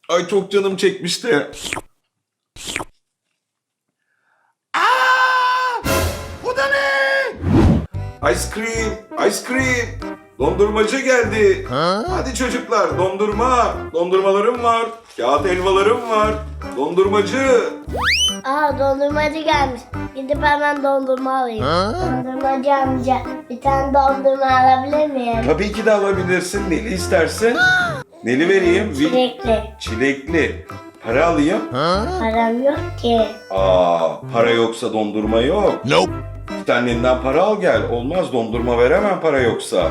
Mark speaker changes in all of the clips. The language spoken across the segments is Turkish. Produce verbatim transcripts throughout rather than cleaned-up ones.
Speaker 1: Ay çok canım çekmişti. Aa! Bu da ne? Ice cream, ice cream. Dondurmacı geldi. Hadi çocuklar dondurma. Dondurmalarım var. Kağıt helvalarım var. Dondurmacı.
Speaker 2: Aa, dondurmacı gelmiş. Gidip hemen dondurma alayım. Dondurmacı amca, bir tane dondurma alabilir miyim?
Speaker 1: Tabii ki de alabilirsin. Neli istersin? Neli vereyim? Vi-
Speaker 2: Çilekli.
Speaker 1: Çilekli. Para alayım.
Speaker 2: Param yok ki.
Speaker 1: Aa, para yoksa dondurma yok.
Speaker 3: Nope.
Speaker 1: Git annenden para al gel. Olmaz, dondurma veremem para yoksa.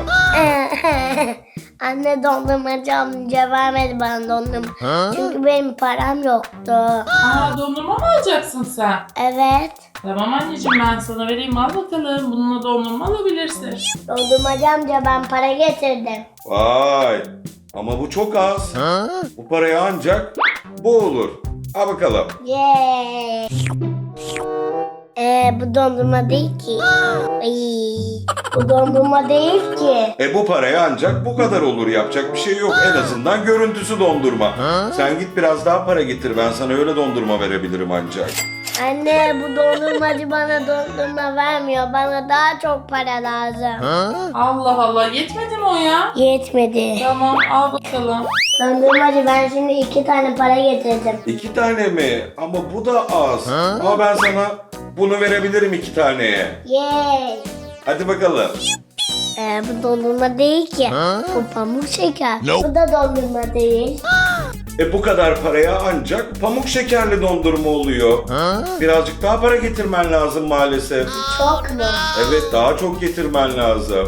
Speaker 2: Anne, dondurmacı amca vermedi bana dondurma. Çünkü benim param yoktu.
Speaker 4: Aa, dondurma mı alacaksın sen?
Speaker 2: Evet.
Speaker 4: Tamam anneciğim, ben sana vereyim, al bakalım. Bununla dondurma alabilirsin.
Speaker 2: Dondurmacı amca, ben para getirdim.
Speaker 1: Vay. Ama bu çok az. Bu paraya ancak bu olur. Al bakalım.
Speaker 2: Yeee. Ee, bu dondurma değil ki. Ay, bu dondurma değil ki.
Speaker 1: E bu paraya ancak bu kadar olur. Yapacak bir şey yok. En azından görüntüsü dondurma. Sen git biraz daha para getir. Ben sana öyle dondurma verebilirim ancak.
Speaker 2: Anne, bu dondurmacı bana dondurma vermiyor. Bana daha çok para lazım.
Speaker 4: Allah Allah, yetmedi mi o ya?
Speaker 2: Yetmedi.
Speaker 4: Tamam, al bakalım.
Speaker 2: Dondurmacı, ben şimdi iki tane para getirdim.
Speaker 1: İki tane mi? Ama bu da az. Ama ben sana bunu verebilirim iki taneye.
Speaker 2: Yeee.
Speaker 1: Hadi bakalım.
Speaker 2: Ee, bu dondurma değil ki. Bu pamuk şeker.
Speaker 3: Nope.
Speaker 2: Bu da dondurma değil.
Speaker 1: E bu kadar paraya ancak pamuk şekerli dondurma oluyor. Birazcık daha para getirmen lazım maalesef.
Speaker 2: Çok mu?
Speaker 1: Evet, daha çok getirmen lazım.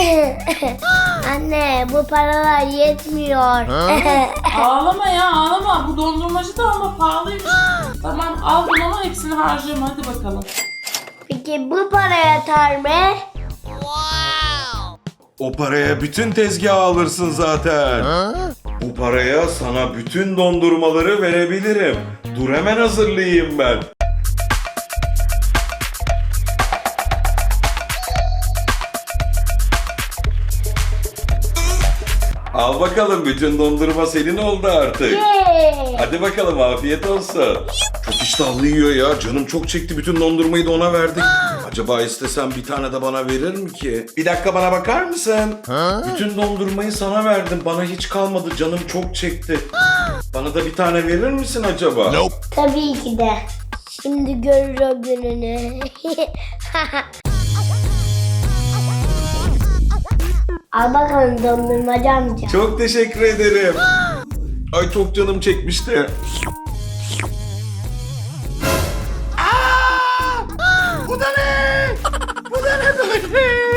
Speaker 2: Anne, bu paralar yetmiyor.
Speaker 4: Ağlama ya, ağlama. Bu dondurmacı da ama pahalıymış. Tamam, al bunu ama hepsini harcayayım, hadi bakalım.
Speaker 2: Peki bu para yeter mi?
Speaker 1: O paraya bütün tezgahı alırsın zaten. Bu paraya sana bütün dondurmaları verebilirim. Dur hemen hazırlayayım ben. Al bakalım, bütün dondurma senin oldu artık.
Speaker 2: Yeee.
Speaker 1: Hadi bakalım, afiyet olsun. Çok iştahlı yiyor ya. Canım çok çekti. Bütün dondurmayı da ona verdik. Acaba istesem bir tane de bana verir mi ki? Bir dakika, bana bakar mısın? Bütün dondurmayı sana verdim. Bana hiç kalmadı. Canım çok çekti. Bana da bir tane verir misin acaba?
Speaker 3: Nope.
Speaker 2: Tabii ki de. Şimdi görür o gününü. Al bakalım dondurmacı amca.
Speaker 1: Çok teşekkür ederim. Ay çok canım çekmişti. Aa! Bu da ne? Bu da ne böyle?